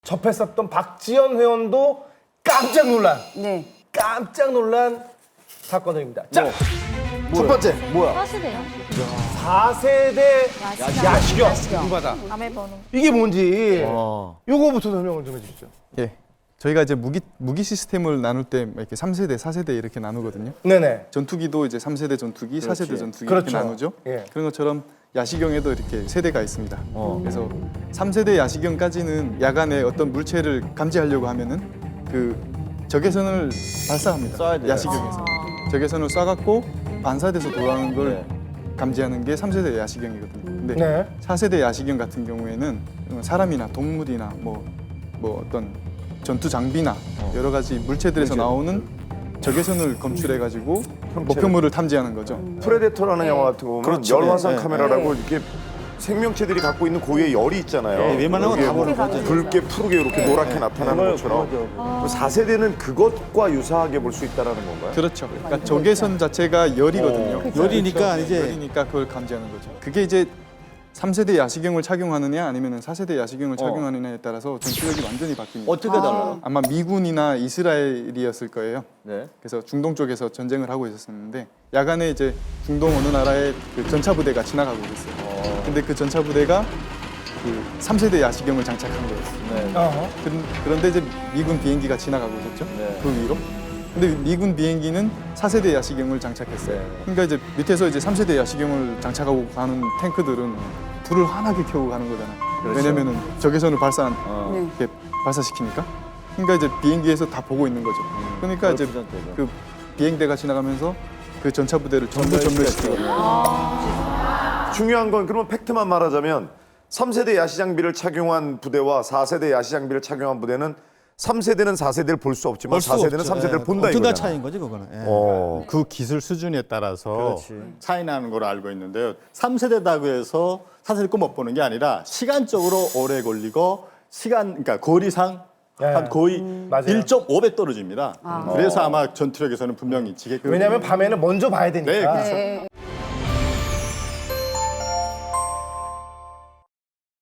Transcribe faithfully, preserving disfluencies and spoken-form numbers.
접했었던 박지연 회원도 깜짝 놀란 네. 깜짝 놀란 사건들입니다. 자, 첫 번째 뭐야? 사시대요? 사 세대 야시경 야시경. 궁금하다. 밤에 버는. 이게 뭔지 어. 요거부터 설명을 좀 해주시죠. 예. 저희가 이제 무기 무기 시스템을 나눌 때 이렇게 삼 세대, 사 세대 이렇게 나누거든요. 네네. 전투기도 이제 삼 세대 전투기, 사 세대 그렇지. 전투기 그렇죠. 이렇게 나누죠. 예. 그런 것처럼 야시경에도 이렇게 세대가 있습니다. 어. 그래서 삼 세대 야시경까지는 야간에 어떤 물체를 감지하려고 하면은 그 적외선을 발사합니다. 쏴야 돼요. 야시경에서 적외선을 쏴갖고 반사돼서 돌아오는 걸 네. 감지하는 게 삼 세대 야시경이거든요. 근데 네. 사 세대 야시경 같은 경우에는 사람이나 동물이나 뭐, 뭐 어떤 전투 장비나 여러 가지 물체들에서 나오는 적외선을 검출해가지고 목표물을 탐지하는 거죠. 프레데터라는 영화 같은 거 보면 그렇죠. 열화상 네, 네. 카메라라고 이렇게 생명체들이 갖고 있는 고유의 열이 있잖아요. 네, 웬만한 여기에 건다 뭐 보는 거죠. 붉게 푸르게 이렇게 노랗게 나타나는 것처럼 사 세대는 그것과 유사하게 볼 수 있다는 건가요? 그렇죠. 그러니까 적외선 자체가 열이거든요. 열이니까 이제 열이니까 그걸 감지하는 거죠. 그게 이제 삼 세대 야시경을 착용하느냐 아니면 사 세대 야시경을 착용하느냐에 따라서 전투력이 완전히 바뀝니다. 어떻게 달라요? 아마 미군이나 이스라엘이었을 거예요. 네. 그래서 중동 쪽에서 전쟁을 하고 있었는데 야간에 이제 중동 어느 나라의 그 전차 부대가 지나가고 있어요. 근데 그 전차 부대가 그 삼 세대 야시경을 장착한 거였어요. 네. 어허. 그- 그런데 이제 미군 비행기가 지나가고 있었죠. 네. 그 위로. 근데 미군 비행기는 사 세대 야시경을 장착했어요. 네. 그러니까 이제 밑에서 이제 삼 세대 야시경을 장착하고 가는 탱크들은 불을 환하게 켜고 가는 거잖아요. 그렇죠. 왜냐면은 적외선을 발사 어. 네. 이렇게 발사시키니까. 그러니까 이제 비행기에서 다 보고 있는 거죠. 그러니까 이제 그렇죠, 그렇죠. 그 비행대가 지나가면서 그 전차 부대를 전부 전멸시키고. 중요한 건 그러면 팩트만 말하자면 삼 세대 야시 장비를 착용한 부대와 사 세대 야시 장비를 착용한 부대는 삼 세대는 사 세대를 볼 수 없지만 사 세대는 삼 세대를 본다 엄청난 이거잖아. 차이인 거지 그거는. 예. 어. 그 기술 수준에 따라서 그렇지. 차이 나는 걸로 알고 있는데요. 삼 세대다고 해서 사 세대 못 보는 게 아니라 시간적으로 오래 걸리고 시간 그러니까 거리상 네. 한 거의 맞아요. 일 점 오 배 떨어집니다. 그래서 아마 전투력에서는 분명히 지게끔. 왜냐하면 밤에는 먼저 봐야 되니까. 네, 그렇죠. 네.